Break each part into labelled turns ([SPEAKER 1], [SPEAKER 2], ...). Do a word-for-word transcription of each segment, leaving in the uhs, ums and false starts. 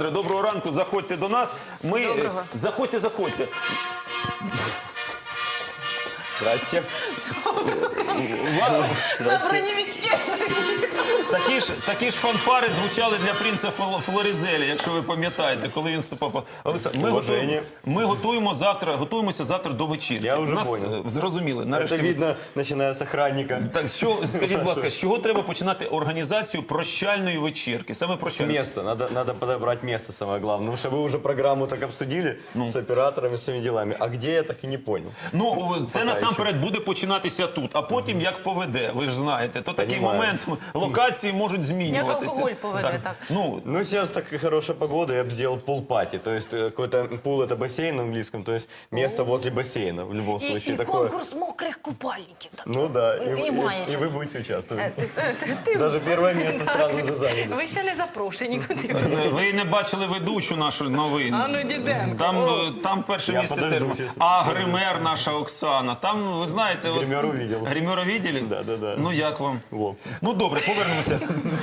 [SPEAKER 1] Олександре, доброго ранку, заходьте до нас. Ми...
[SPEAKER 2] Доброго.
[SPEAKER 1] Заходьте, заходьте.
[SPEAKER 3] Здрасте.
[SPEAKER 2] На броневичке.
[SPEAKER 1] Такі ж, такі ж фанфари звучали для принца Фло- Флорізеля, якщо ви пам'ятаєте, коли він вступав. Олександр, ми,
[SPEAKER 3] Уваження.
[SPEAKER 1] готуємо, ми готуємо завтра, готуємося завтра до вечірки.
[SPEAKER 3] Я вже
[SPEAKER 1] Нас,
[SPEAKER 3] понял.
[SPEAKER 1] е, Зрозуміли. Нарешті
[SPEAKER 3] Это
[SPEAKER 1] ви-
[SPEAKER 3] видно, начиная с охранника.
[SPEAKER 1] Так, що, скажіть, будь ласка, з чого треба починати організацію прощальної вечірки? Саме
[SPEAKER 3] С
[SPEAKER 1] прощальної.
[SPEAKER 3] места. Надо, надо подобрать место, самое главное. Потому что вы уже программу так обсудили с операторами, с всеми делами. А где, я так и не понял.
[SPEAKER 1] Ну, це
[SPEAKER 3] Пока
[SPEAKER 1] насамперед буде починатися тут, а потім як поведе, ви ж знаєте. То такий
[SPEAKER 3] Понімаю.
[SPEAKER 1] момент, локації можуть змінюватися.
[SPEAKER 2] Як алкоголь поведе, так.
[SPEAKER 1] Ну,
[SPEAKER 3] Ну, сейчас так хорошая погода, я бы сделал пул-пати. То есть э, какой-то пул это бассейн на английском, то есть место возле бассейна в любом
[SPEAKER 2] І,
[SPEAKER 3] случае.
[SPEAKER 2] і
[SPEAKER 3] такое.
[SPEAKER 2] конкурс мокрих купальників. Так.
[SPEAKER 3] Ну да,
[SPEAKER 2] І-
[SPEAKER 3] и,
[SPEAKER 2] і
[SPEAKER 3] и-
[SPEAKER 2] маечок.
[SPEAKER 3] и вы будете участвовать.
[SPEAKER 2] Е, ти- ти- ти-
[SPEAKER 3] Даже первое место сразу же заняли.
[SPEAKER 2] Ви ще не запрошені куди.
[SPEAKER 1] ви не бачили ведучу нашу новин.
[SPEAKER 2] А ну, Діденко.
[SPEAKER 1] Там,
[SPEAKER 2] О.
[SPEAKER 1] е, там перше
[SPEAKER 3] Я
[SPEAKER 1] місце
[SPEAKER 3] подожду,
[SPEAKER 1] теж.
[SPEAKER 3] чесно.
[SPEAKER 1] А гример наша Оксана. Там, ви знаєте... от-
[SPEAKER 3] Гримеру видел.
[SPEAKER 1] Гримера видели?
[SPEAKER 3] Да, да, да.
[SPEAKER 1] Ну, як вам?
[SPEAKER 3] Во.
[SPEAKER 1] Ну, добре, повернемося.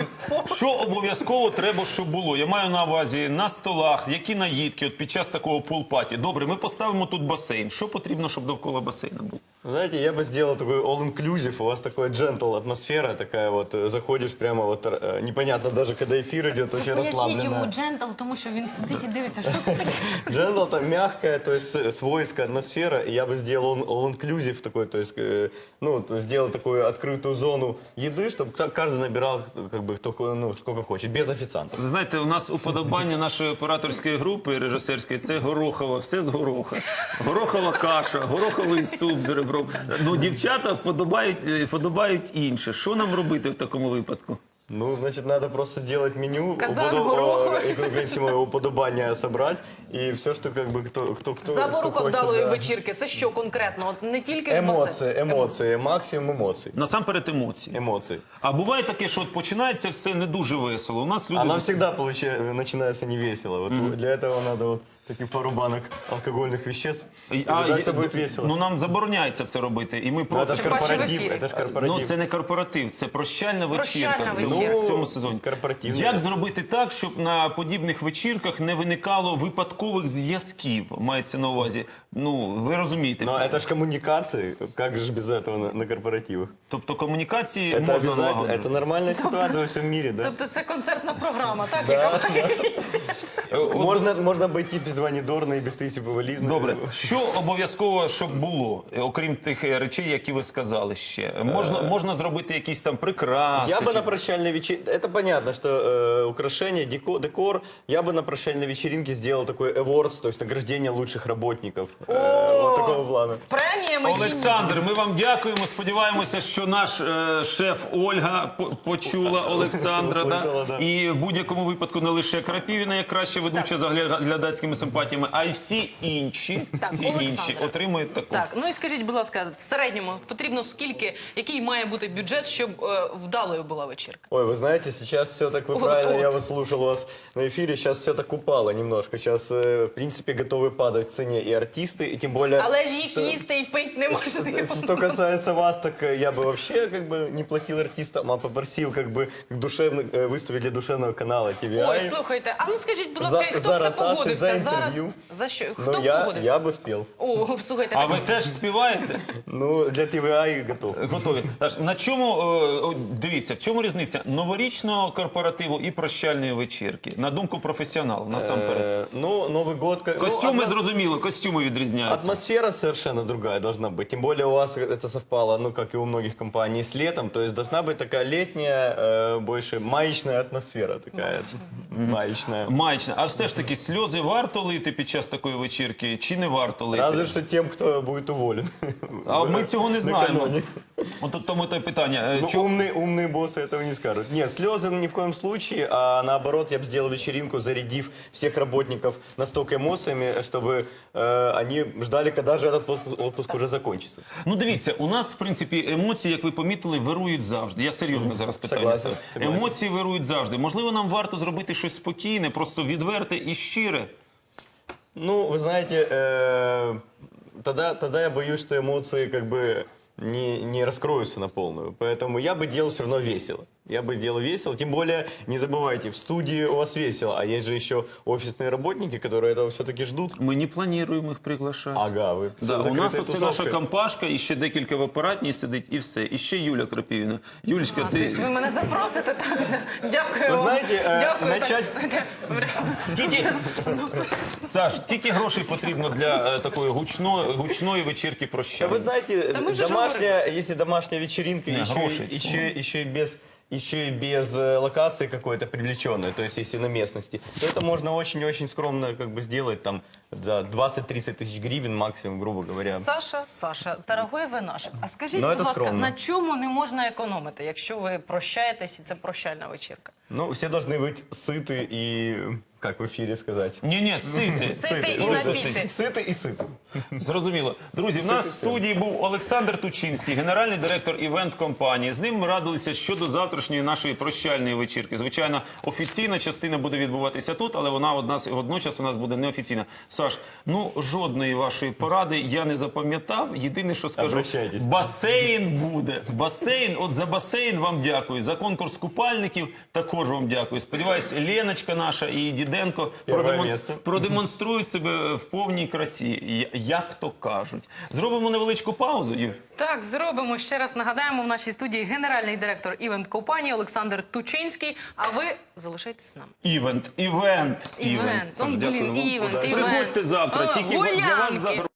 [SPEAKER 1] Що обов'язково треба, щоб було? Я маю на увазі на столах, які наїдки от під час такого пул-паті. Добре, ми поставимо тут басейн. Що потрібно, щоб довкола басейна був?
[SPEAKER 3] Знаете, я бы сделал такой all-inclusive, у вас такой джентл атмосфера такая вот, э, заходишь прямо вот, э, непонятно даже, когда эфир идет, очень
[SPEAKER 2] Поясніть йому
[SPEAKER 3] расслабленно.
[SPEAKER 2] джентл, тому що він сидить і дивиться, що це таке.
[SPEAKER 3] Джентл там мягкая, то есть э, свойская атмосфера, и я бы сделал all- all-inclusive такой, то есть, э, ну, то есть сделал такую открытую зону еды, чтобы каждый набирал, как бы, кто, ну, сколько хочет, без официантов.
[SPEAKER 1] Ви знаєте, у нас уподобання нашої операторської групи режисерської – це горохова, все з гороха. Горохова каша, гороховий суп з ребром. Ну, дівчата вподобають, е, вподобають інше. Що нам робити в такому випадку?
[SPEAKER 3] Ну, значит, надо просто сделать меню,
[SPEAKER 2] Казан
[SPEAKER 3] уподо-
[SPEAKER 2] гороха.
[SPEAKER 3] э, экономического уподобания собрать, и все, что как бы кто, кто, кто,
[SPEAKER 2] Заборука
[SPEAKER 3] кто хочет,
[SPEAKER 2] вдалої
[SPEAKER 3] да.
[SPEAKER 2] вечірки. Це що конкретно? От не тільки ж басейн.
[SPEAKER 3] Эмоции, эмоции, максимум эмоций.
[SPEAKER 1] Насамперед емоції.
[SPEAKER 3] Эмоций.
[SPEAKER 1] А буває таке, що от починається все не дуже весело. У нас люди...
[SPEAKER 3] Она всегда получается, начинается невесело. Вот для этого надо вот таких пару банок алкогольных веществ. И
[SPEAKER 1] А,
[SPEAKER 3] тогда
[SPEAKER 1] є-
[SPEAKER 3] все будет весело.
[SPEAKER 1] Ну, нам забороняється це робити. І ми
[SPEAKER 3] Ну,
[SPEAKER 1] проти...
[SPEAKER 3] это же
[SPEAKER 2] Тим паче в
[SPEAKER 3] корпоратив,
[SPEAKER 2] ефірі.
[SPEAKER 3] это ж корпоратив.
[SPEAKER 1] Ну, це не корпоратив, це прощальна
[SPEAKER 2] Прощальна
[SPEAKER 1] вечірка в цьому,
[SPEAKER 2] вечірка.
[SPEAKER 1] в цьому сезоні.
[SPEAKER 3] Корпоративна.
[SPEAKER 1] Як зробити так, щоб на подібних вечірках не виникало випадкових зв'язків, мається на увазі? Ну, ви розумієте.
[SPEAKER 3] Но это же коммуникации, как же без этого на, на корпоративах?
[SPEAKER 1] Тобто комунікації
[SPEAKER 3] Это
[SPEAKER 1] можна
[SPEAKER 3] обязательно,
[SPEAKER 1] налагодити.
[SPEAKER 3] это нормальная ситуация во всем мире, да?
[SPEAKER 2] Тобто це концертна програма, так? яка
[SPEAKER 3] Можно, можно обойти без Вани Дорна и без Таисии Повализны.
[SPEAKER 1] Добре, що обов'язково, щоб було, е, окрім тих е, речей, які ви сказали ще? Можна, можна зробити якісь там прикраси?
[SPEAKER 3] Я бы
[SPEAKER 1] чи-
[SPEAKER 3] на прощальной вечеринке, это понятно, что э, украшения, деко- декор, я бы на прощальной вечеринке сделал такой awards, то есть награждение лучших работников. Э, вот такого плана.
[SPEAKER 2] З преміями чи ні?
[SPEAKER 1] Олександр, ми вам дякуємо. Сподіваємося, що наш е, шеф Ольга по- почула Олександра.
[SPEAKER 3] Услышала,
[SPEAKER 1] да?
[SPEAKER 3] да.
[SPEAKER 1] І в будь-якому випадку не лише Крапівіна, як краща ведуча з гля- глядацькими симпатіями, а й всі інші,
[SPEAKER 2] Так,
[SPEAKER 1] всі
[SPEAKER 2] Олександре.
[SPEAKER 1] інші отримують таку.
[SPEAKER 2] Так, ну і скажіть, будь ласка, в середньому потрібно скільки, який має бути бюджет, щоб е, вдалою була вечірка?
[SPEAKER 3] Ой, вы знаете, сейчас все так, вы
[SPEAKER 2] Вот,
[SPEAKER 3] правильно,
[SPEAKER 2] вот.
[SPEAKER 3] я вас слушал у вас на эфире, сейчас все так упало немножко. Сейчас, э, в принципе, готовы падать в цене и артисты, и тем более...
[SPEAKER 2] Але ж їх їсти і пити неможливо.
[SPEAKER 3] Что касается вас, так э, я бы вообще как бы не платил артистам, а попросил как бы душевно, э, выступить для душевного канала ти ви ай.
[SPEAKER 2] Ой, слухайте, а ну скажіть, будь ласка,
[SPEAKER 3] За-
[SPEAKER 2] хто
[SPEAKER 3] за
[SPEAKER 2] б це
[SPEAKER 3] ротацію,
[SPEAKER 2] погодився
[SPEAKER 3] за
[SPEAKER 2] зараз?
[SPEAKER 3] інтерв'ю.
[SPEAKER 2] За що? Хто
[SPEAKER 3] Ну,
[SPEAKER 2] б
[SPEAKER 3] я,
[SPEAKER 2] погодився?
[SPEAKER 3] я бы спел.
[SPEAKER 2] О, слухайте,
[SPEAKER 1] А
[SPEAKER 2] так,
[SPEAKER 1] ви теж співаєте?
[SPEAKER 3] Ну, для ти ви ай готов.
[SPEAKER 1] Готові. Тож, на чому, е, о, дивіться, в чому різниця новорічного корпоративу і прощальної вечірки? На думку професіоналів, насамперед.
[SPEAKER 3] Э, ну, Новый год... как- ну,
[SPEAKER 1] Костюми,
[SPEAKER 3] атмос-
[SPEAKER 1] зрозуміло, костюми відрізняються.
[SPEAKER 3] Атмосфера совершенно другая должна быть. Тем более у вас это совпало, ну, как и у многих компаний, с летом. То есть должна быть такая летняя, э, больше маечная атмосфера такая. Маечная.
[SPEAKER 1] Маячна. А все ж таки, сльози варто лити під час такої вечірки, чи не варто лити?
[SPEAKER 3] Разве что тем, кто будет уволен.
[SPEAKER 1] А ми цього не знаємо.
[SPEAKER 3] Накануне.
[SPEAKER 1] От тому те питання. Е,
[SPEAKER 3] Ну,
[SPEAKER 1] чо-
[SPEAKER 3] умные, умные боссы этого не скажут. Нет, слезы ни в коем случае, а наоборот, я бы сделал вечеринку, зарядив всех работников настолько эмоциями, чтобы э, они ждали, когда же этот отпуск, отпуск уже закончится.
[SPEAKER 1] Ну, дивіться, у нас, в принципі, емоції, як ви помітили, вирують завжди. Я серйозно зараз питання
[SPEAKER 3] Согласен,
[SPEAKER 1] ставлю.
[SPEAKER 3] согласен.
[SPEAKER 1] Емоції вирують завжди. Можливо, нам варто зробити щось спокійне, просто відверте і щире.
[SPEAKER 3] Ну, вы знаете, э, тогда, тогда я боюсь, что эмоции как бы не, не раскроются на полную. Поэтому я бы делал все равно весело. Я бы делал весело. Тем более, не забывайте, в студии у вас весело, а есть же еще офисные работники, которые этого все-таки ждут.
[SPEAKER 1] Ми не плануємо їх приглашати.
[SPEAKER 3] Ага, ви
[SPEAKER 1] Да, у
[SPEAKER 3] закрита
[SPEAKER 1] нас оце наша
[SPEAKER 3] тусовка.
[SPEAKER 1] компашка, і ще декілька в апаратній сидить, і все. І ще Юля Крапівна. Юлечка, ти...
[SPEAKER 2] Ви мене запросите так. Дякую
[SPEAKER 3] Ви
[SPEAKER 2] вам.
[SPEAKER 3] знаєте, е,
[SPEAKER 2] Дякую,
[SPEAKER 3] начать-
[SPEAKER 2] так.
[SPEAKER 1] Скільки... Саш, скільки грошей потрібно для е, такої гучної, гучної вечірки
[SPEAKER 3] Да
[SPEAKER 1] прощання?
[SPEAKER 3] вы знаете,
[SPEAKER 2] Да мы же
[SPEAKER 3] домашняя, если домашняя вечеринка,
[SPEAKER 1] Не,
[SPEAKER 3] еще,
[SPEAKER 1] хороший,
[SPEAKER 3] еще, еще и без еще и без э, локации какой-то привлеченной, то есть если на местности, то это можно очень-очень скромно как бы сделать там за двадцать-тридцать тысяч гривен максимум, грубо говоря.
[SPEAKER 2] Саша, Саша, дорогой ви наш. А скажіть,
[SPEAKER 3] Ну,
[SPEAKER 2] будь
[SPEAKER 3] це
[SPEAKER 2] ласка,
[SPEAKER 3] скромно.
[SPEAKER 2] на чому не можна економити, якщо ви прощаєтесь і це прощальна вечірка?
[SPEAKER 3] Ну, все должны быть сыты и, как в эфире сказать,
[SPEAKER 1] Ні-ні, сити.
[SPEAKER 2] Сити і
[SPEAKER 1] Просто
[SPEAKER 2] напіти.
[SPEAKER 3] сыты и сыты.
[SPEAKER 1] Зрозуміло. Друзі, в нас в студії був Олександр Тучинський, генеральний директор івент-компанії. З ним ми радилися щодо завтрашньої нашої прощальної вечірки. Звичайно, офіційна частина буде відбуватися тут, але вона одна, водночас у нас буде неофіційна. Саш, ну жодної вашої поради я не запам'ятав. Єдине, що скажу,
[SPEAKER 3] Обращайтесь.
[SPEAKER 1] басейн буде. Басейн, от за басейн вам дякую. За конкурс купальників також вам дякую. Сподіваюсь, Леночка наша і Діденко
[SPEAKER 3] Первое
[SPEAKER 1] продемон-
[SPEAKER 3] місце.
[SPEAKER 1] продемонструють себе в повній красі, я- як то кажуть. Зробимо невеличку паузу, Юр.
[SPEAKER 2] Так, зробимо. Ще раз нагадаємо, в нашій студії генеральний директор івент-компанії Олександр Тучинський. А ви залишайтесь з нами.
[SPEAKER 1] Івент, івент,
[SPEAKER 2] Івент.
[SPEAKER 1] івент.
[SPEAKER 2] Ну,
[SPEAKER 1] Саш,
[SPEAKER 2] блін,
[SPEAKER 1] дякую вам.
[SPEAKER 2] івент,
[SPEAKER 1] Приходьте
[SPEAKER 2] івент.
[SPEAKER 1] завтра,
[SPEAKER 2] А,
[SPEAKER 1] тільки для вас
[SPEAKER 2] гулянки.
[SPEAKER 1] заберу.